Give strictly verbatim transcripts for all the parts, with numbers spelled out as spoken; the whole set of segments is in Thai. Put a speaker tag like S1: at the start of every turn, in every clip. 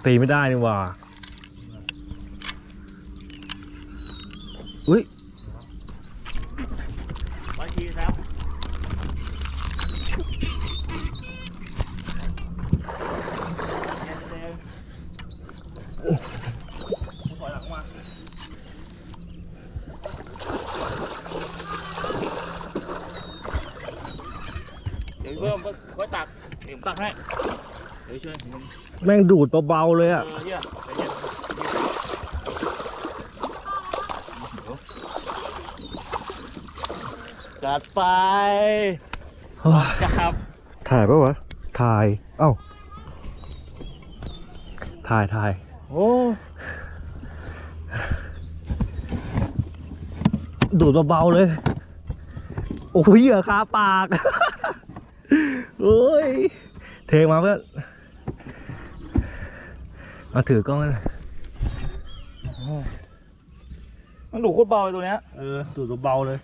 S1: ตีไม่ได้นี่ว่าอุ้ย
S2: ร้อยทีครับถอยหลังมาเดี๋ยวเพิ่มไว้ตักเดี๋ยวตักให้เดี๋ยวช่วย
S1: แม่งดูดเบาๆเลยอ่ะ
S2: จัดไปจับ
S1: ถ่ายปะวะถ่ายเอ้าถ่ายถ่าย
S2: โอ้
S1: ดูดเบาๆเลยโอ้ยเหยื่อคาปากโอ้ยเทมาเพื่อนมาถือกล้องเลย
S2: มันดูดโคตรเบาเลยตัวเนี้ย
S1: เออดูดเบาเลย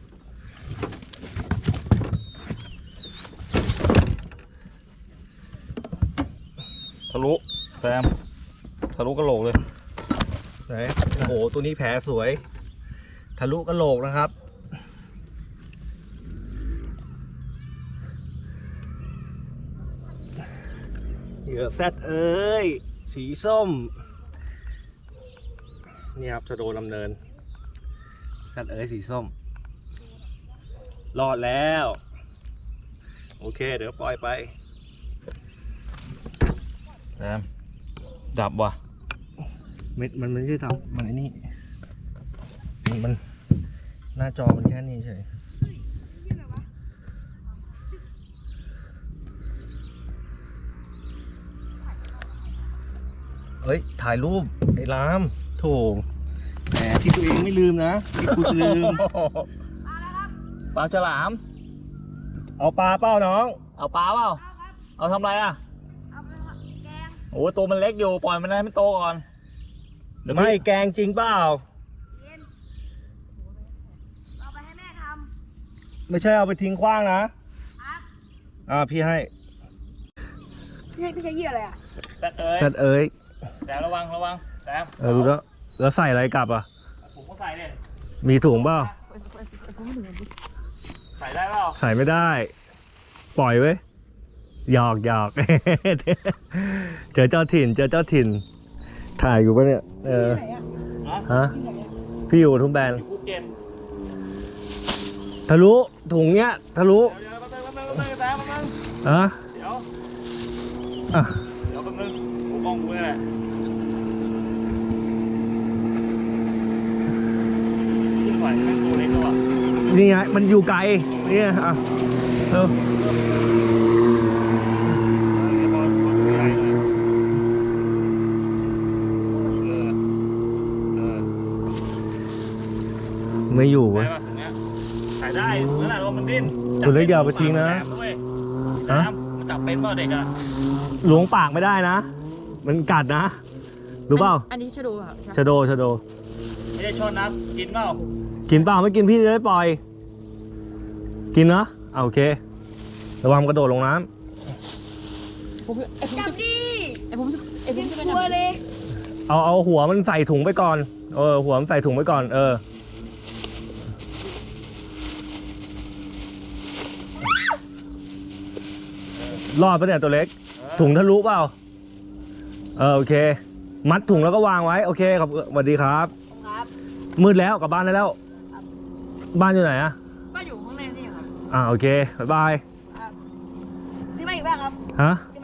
S2: ทะลุแซมทะลุกระโหลกเลย
S1: ไหนโอ้โหตัวนี้แผลสวยทะลุกระโหลกนะครับเหยื่อแซดเอ้ยสีส้มนี่ครับชะโดดำเนินแซดเอ้ยสีส้มรอดแล้วโอเคเดี๋ยวปล่อยไป
S2: แซมดับว่ะ
S1: เม็ดมันไม่ใช่ดับมันไอ้นี่นี่มันหน้าจอมันแค่นี้เฉยเฮ้ยถ่ายรูปไอ้รามโถแหมที่ตัวเองไม่ลืมนะที่กูลืม
S2: ปลาฉลาม
S1: เอาปลาเปล่าน้อง
S2: เอาปลาเปล่าเอาทำไรอ่ะโอ้ตัวมันเล็กอยู่ปล่อยมันให้มันโตก่อน
S1: ไม่แกงจริงเปล่า
S3: เอาไปให้แม่ทำ
S1: ไม่ใช่เอาไปทิ้งขว้างนะอ่าพี่ให้
S3: พี่ใช้พี่ใช้เหยื่ออะไรอ่ะ
S1: แซดเอ้ย
S2: แซมระวังระวังแซม
S1: เออรู้แล้วแล้วใส่อะไรกลับอ่ะ
S2: ถุงก็ใส่เลย
S1: มีถุงเปล่า
S2: ใส่ได้เปล่า
S1: ใส่ไม่ได้ปล่อยไว้หยอกหยอกเจอเจ้าถิ่นเจอเจ้าถิ่นถ่ายอยู่ปะเนี่ยเออฮะพี่อยู่ทุ่งแบนทะลุถุงเนี้ยทะลุฮะ
S2: เดี๋ยว
S1: อ่ะ
S2: เดี๋ยวแป๊บนึงกูมองกูนี่แหละขึ้นไหวแม่งตัวเล็กตัว
S1: นี่ไงมันอยู่ไกลนี่อ่ะเออไม่อยู่เว้ย
S2: ถ่ายได้เมื่อไหร่ว่ามันดิ้น
S1: ตัวเล็กอย่าไปทิ้งนะ
S2: ฮะมันจับเป็นเปล่าเด็กอะ
S1: หลวงปากไม่ได้นะมันกัดนะรู้เปล่า
S3: อันนี้ชะโดค่ะ
S1: ชะโดชะโด
S2: ไม่ได้ชนนะกินเปล่า
S1: กินเปล่าไม่กินพี่จะได้ปล่อยกินนะโอเคระวังกระโดดลงน้
S3: ำจับดิไอผมไอผมจะกลัวเลย
S1: เอาเอาหัวมันใส่ถุงไปก่อนเออหัวมันใส่ถุงไปก่อนเออรอดปะเนี่ยตัวเล็กถุงทะลุเปล่าเออโอเคมัดถุงแล้วก็วางไว้โอเคครับสวัสดีครับมืดแล้วกลับบ้านได้แล้วบ้านอยู่ไหนอะ
S3: บ้านอยู่ข้างในนี่ครับ
S1: อ่าโอเคบ๊ายบาย
S3: นี่มาอีกบ้างครับ
S1: ฮะ